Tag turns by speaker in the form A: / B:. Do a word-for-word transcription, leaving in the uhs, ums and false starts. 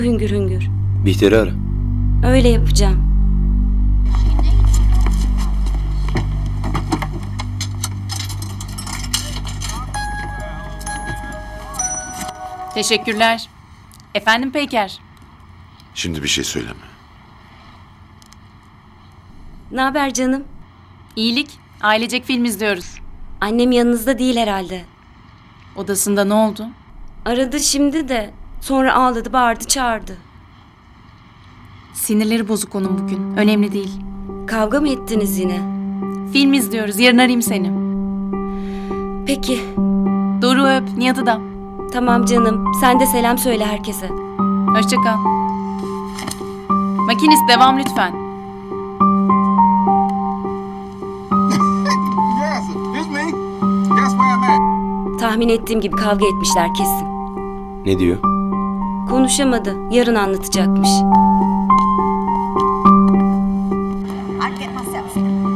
A: Hüngür hüngür.
B: Bihter'i ara.
A: Öyle yapacağım.
C: Teşekkürler. Efendim Peyker.
D: Şimdi bir şey söyleme.
A: Ne haber canım?
C: İyilik. Ailecek film izliyoruz.
A: Annem yanınızda değil herhalde.
C: Odasında ne oldu?
A: Aradı şimdi de. Sonra ağladı, bağırdı, çağırdı.
C: Sinirleri bozuk onun bugün. Önemli değil.
A: Kavga mı ettiniz yine?
C: Film izliyoruz. Yarın arayayım seni.
A: Peki.
C: Doğru öp. Nihat'ı da.
A: Tamam canım. Sen de selam söyle herkese.
C: Hoşça kal. Makinist devam lütfen.
E: Yes, it's me. Guess where I'm at?
A: Tahmin ettiğim gibi kavga etmişler kesin.
B: Ne diyor?
A: Konuşamadı. Yarın anlatacakmış.
F: I'd get myself in.